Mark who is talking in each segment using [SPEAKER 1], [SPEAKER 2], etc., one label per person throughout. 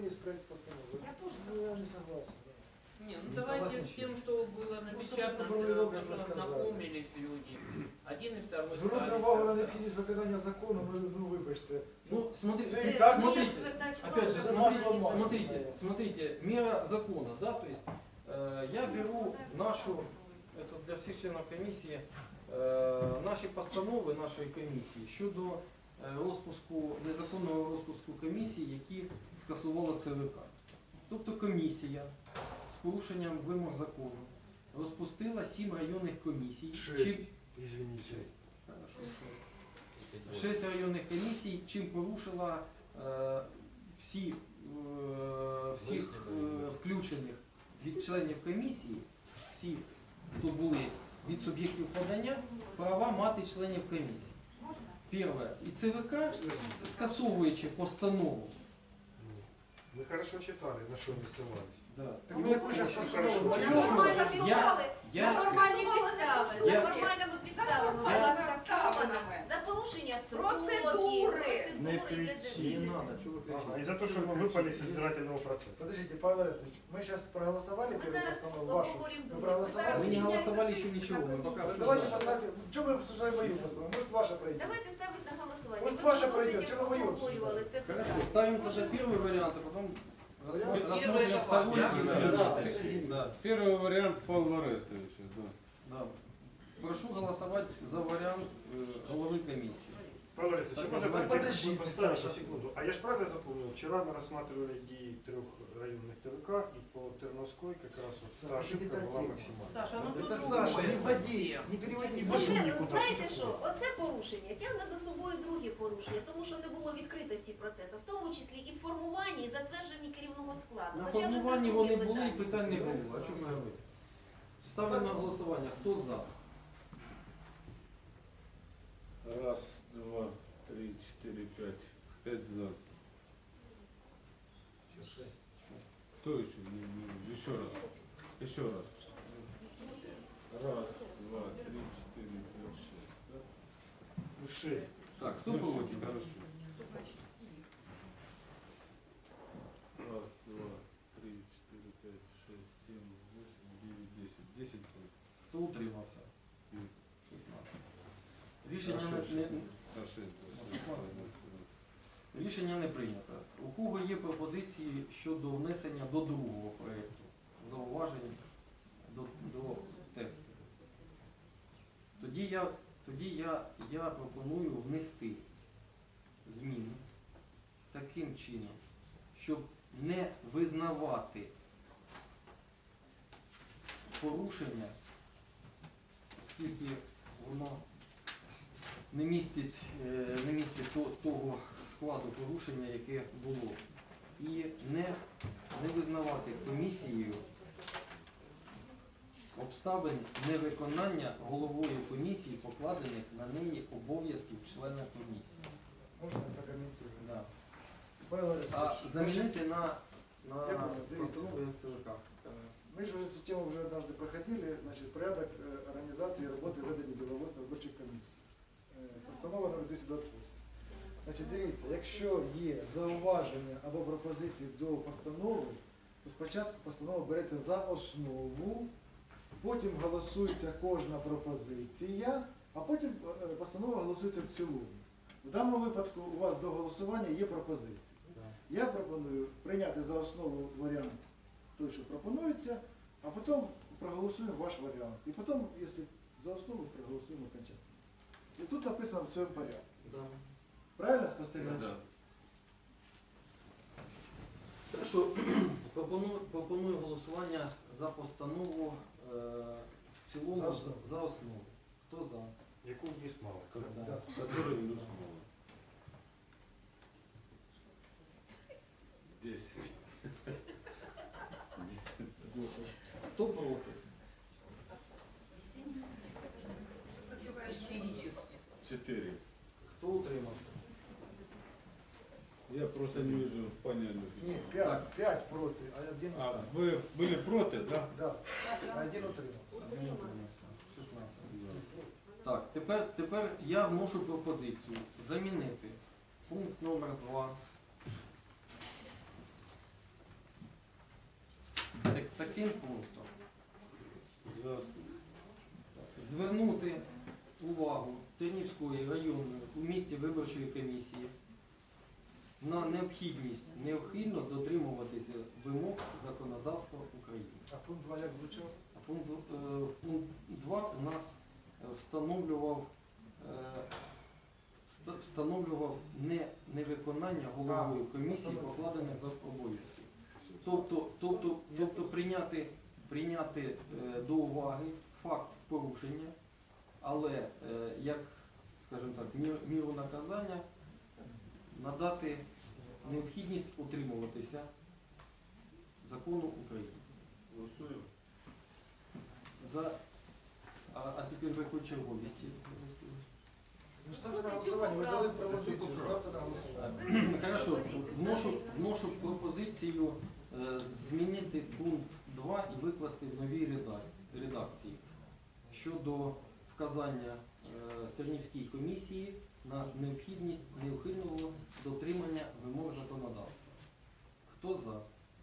[SPEAKER 1] есть проект постановы.
[SPEAKER 2] Я тоже.
[SPEAKER 1] Ну, я не согласен. Да.
[SPEAKER 3] Не, ну
[SPEAKER 1] Не
[SPEAKER 3] давайте
[SPEAKER 1] согласен,
[SPEAKER 3] с тем, что было напечатано,
[SPEAKER 1] формулировка
[SPEAKER 3] чтобы
[SPEAKER 1] уже сказали.
[SPEAKER 3] ознакомились люди. Один и второй.
[SPEAKER 1] Звернути
[SPEAKER 3] ставят.
[SPEAKER 1] увагу на необхідність виконання закону, ну вибачте.
[SPEAKER 4] Ну, смотрите,
[SPEAKER 1] Це і так,
[SPEAKER 4] смотрите, опять же,
[SPEAKER 1] за масло масло.
[SPEAKER 4] смотрите, мера закона, да, то есть я беру нашу, это для всех членов комиссии, наші постанови нашої комісії щодо розпуску, незаконного розпуску комісії, які скасувала ЦВК. Тобто комісія з порушенням вимог закону розпустила 7 районних комісій.
[SPEAKER 1] Извините.
[SPEAKER 4] Хорошо, 6 районних комісій, чим порушила всіх включених членів комісії, всіх, хто були від суб'єктів подання, права мати членів комісії. Перше. І ЦВК, скасовуючи постанову.
[SPEAKER 5] Мы хорошо читали, на что не ссылались.
[SPEAKER 4] Да.
[SPEAKER 1] Так ми яку зараз постанову?
[SPEAKER 2] Нормально писали.
[SPEAKER 4] Я-
[SPEAKER 2] На формальні підстави. За
[SPEAKER 4] Я-
[SPEAKER 2] формальними підставами
[SPEAKER 4] Я-
[SPEAKER 2] була скасована. За порушення
[SPEAKER 6] Процедури.
[SPEAKER 4] Не
[SPEAKER 2] процедури.
[SPEAKER 4] надо, что вы
[SPEAKER 5] Ага,
[SPEAKER 4] кричите?
[SPEAKER 5] и за то, что мы выпали с избирательного процесса.
[SPEAKER 1] Подождите, Павел Арестович, мы сейчас проголосовали
[SPEAKER 2] Ми
[SPEAKER 1] первую
[SPEAKER 2] зараз
[SPEAKER 1] постанову вашу.
[SPEAKER 2] обговоримо
[SPEAKER 1] Вы
[SPEAKER 2] друге.
[SPEAKER 1] проголосовали?
[SPEAKER 4] Мы не голосовали еще ничего, мы пока
[SPEAKER 1] Давайте
[SPEAKER 4] обсуждаем.
[SPEAKER 1] поставьте. Чего мы обсуждаем мою постанову? Может ваша пройдет?
[SPEAKER 2] Давайте ставити на голосування.
[SPEAKER 1] Может,
[SPEAKER 2] Ми
[SPEAKER 1] ваша
[SPEAKER 2] вже
[SPEAKER 1] пройдет?
[SPEAKER 2] досить
[SPEAKER 1] Чего вы ее
[SPEAKER 2] обговорювали це
[SPEAKER 4] Хорошо,
[SPEAKER 2] питання.
[SPEAKER 4] ставим тогда первый вариант, а потом
[SPEAKER 1] Вариант
[SPEAKER 4] рассмотрим
[SPEAKER 3] это
[SPEAKER 4] второй.
[SPEAKER 3] важно.
[SPEAKER 4] Да.
[SPEAKER 7] Первый вариант Павла Арестовича, да.
[SPEAKER 4] Да. Прошу голосовать за вариант головы комиссии.
[SPEAKER 5] Павел Борисович,
[SPEAKER 4] Так,
[SPEAKER 5] можно
[SPEAKER 4] давай,
[SPEAKER 1] подожди,
[SPEAKER 5] поставить
[SPEAKER 1] Саша.
[SPEAKER 5] на секунду? А я же правильно запомнил, вчера мы рассматривали идеи 3 районных ТВК, и по Терновской как раз вот
[SPEAKER 1] Саша,
[SPEAKER 5] та ошибка
[SPEAKER 1] это
[SPEAKER 5] была
[SPEAKER 1] тема.
[SPEAKER 5] максимальна.
[SPEAKER 3] Саша, ну тут
[SPEAKER 1] Это Саша, не
[SPEAKER 3] другое
[SPEAKER 1] вводи,
[SPEAKER 3] совсем.
[SPEAKER 1] не переводи.
[SPEAKER 5] Не
[SPEAKER 1] Саша.
[SPEAKER 5] пишу
[SPEAKER 2] Оце,
[SPEAKER 5] нікуди,
[SPEAKER 2] знаєте
[SPEAKER 5] що
[SPEAKER 2] що? Оце порушення тягне за собою другі порушення, тому що не було відкритості процесу, в тому числі і в формуванні, і затвердженні керівного складу.
[SPEAKER 4] На
[SPEAKER 2] Хоча вже це
[SPEAKER 4] формуванні
[SPEAKER 2] друге
[SPEAKER 4] вони були і
[SPEAKER 2] питання.
[SPEAKER 4] питань не було. А чому ми говоримо? Ставимо на голосування. Хто за?
[SPEAKER 7] Раз, два, три, четыре, пять. 5 за. Кто еще? Еще раз. Еще раз. Раз, два, три, четыре, пять, 6. Да?
[SPEAKER 5] 6.
[SPEAKER 4] Так, хто
[SPEAKER 7] Ну,
[SPEAKER 4] проти?
[SPEAKER 7] Хорошо. Раз, два, три, четыре, пять, 6, 7, 8, 9, 10. 10 против.
[SPEAKER 4] Хто утримався?
[SPEAKER 7] Ні.
[SPEAKER 4] 16. Рішення
[SPEAKER 7] А,
[SPEAKER 4] не,
[SPEAKER 7] А 6,
[SPEAKER 4] рішення не прийнято. У кого є пропозиції щодо внесення до другого проєкту? Зауважень до тексту? Тоді я пропоную внести зміни таким чином, щоб не визнавати порушення, оскільки воно не містить того складу порушення, яке було. І не визнавати комісією обставин невиконання головою комісії, покладених на неї обов'язків члена комісії.
[SPEAKER 1] Можно я прокомментирую?
[SPEAKER 4] Да.
[SPEAKER 1] Павел Арестович,
[SPEAKER 4] А замінити на
[SPEAKER 1] Я понял, дивіться.
[SPEAKER 4] постанову як ЦВК.
[SPEAKER 1] мы же эту тему уже однажды проходили, значит, порядок организации работы ведення діловодства виборчих комісій. Постанова номер 228. Значить, дивіться, якщо є зауваження або пропозиції до постанови, то спочатку постанова береться за основу, потім голосується кожна пропозиція, а потім постанова голосується в цілому. В даному випадку у вас до голосування є пропозиції. Я пропоную прийняти за основу варіант той, що пропонується, а потім проголосуємо ваш варіант. І потім, якщо за основу, проголосуємо окончательно. І тут написано в цьому порядку.
[SPEAKER 4] Да.
[SPEAKER 1] Правильно спостерігач?
[SPEAKER 7] Да.
[SPEAKER 4] Хорошо. Пропоную голосування за постанову в цілому
[SPEAKER 1] За основу.
[SPEAKER 4] за основу. Хто за?
[SPEAKER 5] Яку вниз мало.
[SPEAKER 4] Да.
[SPEAKER 1] Да.
[SPEAKER 7] Который плюс мало. 10.
[SPEAKER 4] Хто проти?
[SPEAKER 3] Истерически.
[SPEAKER 7] 4.
[SPEAKER 4] Хто утримався?
[SPEAKER 7] Я просто не вижу понятия.
[SPEAKER 1] Ні, 5 проти, а один
[SPEAKER 7] А,
[SPEAKER 1] утримався.
[SPEAKER 7] вы были против, да?
[SPEAKER 1] Да, а один утримався.
[SPEAKER 4] Один утримався. 16. Так, тепер я вношу пропозицію замінити пункт номер 2 таким пунктом.
[SPEAKER 7] Ясно.
[SPEAKER 4] Звернути увагу Тернівської районної у місті виборчої комісії на необхідність неухильно дотримуватися вимог законодавства України.
[SPEAKER 1] А пункт 2 як звучав?
[SPEAKER 4] А пункт 2 у нас встановлював невиконання головою комісії покладених за обов'язків. Тобто прийняти до уваги факт порушення, але як, скажімо так, міру наказання надати необхідність утримуватися закону України.
[SPEAKER 7] Голосуємо.
[SPEAKER 4] А тепер ви по черговості.
[SPEAKER 1] Ну ставте на голосування, ви дали пропозицію, ставте на голосування.
[SPEAKER 4] Хорошо, вношу пропозицію змінити пункт 2 і викласти в новій редакції щодо вказання Тернівській комісії на необхідність неухильного дотримання вимог законодавства. Хто за?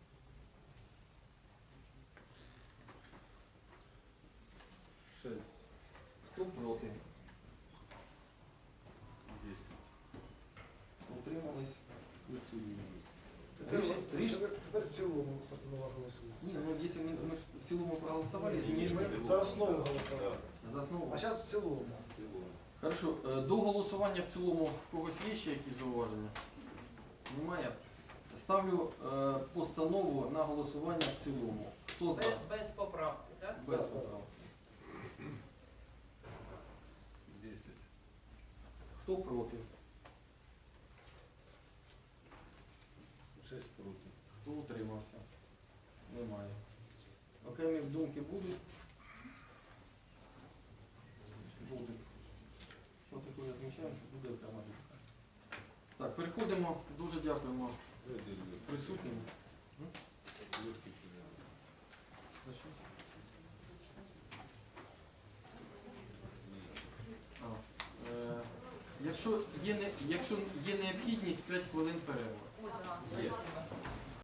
[SPEAKER 7] Шесть.
[SPEAKER 4] Хто проти?
[SPEAKER 7] 10.
[SPEAKER 4] Утримались? Відсутні.
[SPEAKER 1] Тепер в цілому постанова голосується.
[SPEAKER 4] Ні, ну якщо ми в цілому проголосували,
[SPEAKER 1] Ми
[SPEAKER 4] змінити
[SPEAKER 1] за основу голосували.
[SPEAKER 4] за основу.
[SPEAKER 1] А зараз в цілому.
[SPEAKER 7] В цілому.
[SPEAKER 4] Хорошо, до голосування в цілому в когось є ще якісь зауваження? Немає. Ставлю постанову на голосування в цілому. Хто за?
[SPEAKER 3] Без поправки, так?
[SPEAKER 4] Без поправок.
[SPEAKER 7] 10.
[SPEAKER 4] Хто проти?
[SPEAKER 7] 6 проти.
[SPEAKER 4] Хто утримався? Немає. Окремі думки будуть? Будуть. Що таке відмічаємо, що буде окрема думка. Так, переходимо. Дуже дякуємо присутнім. Якщо є необхідність, 5 хвилин перерви.
[SPEAKER 2] Ой, да.
[SPEAKER 7] Є.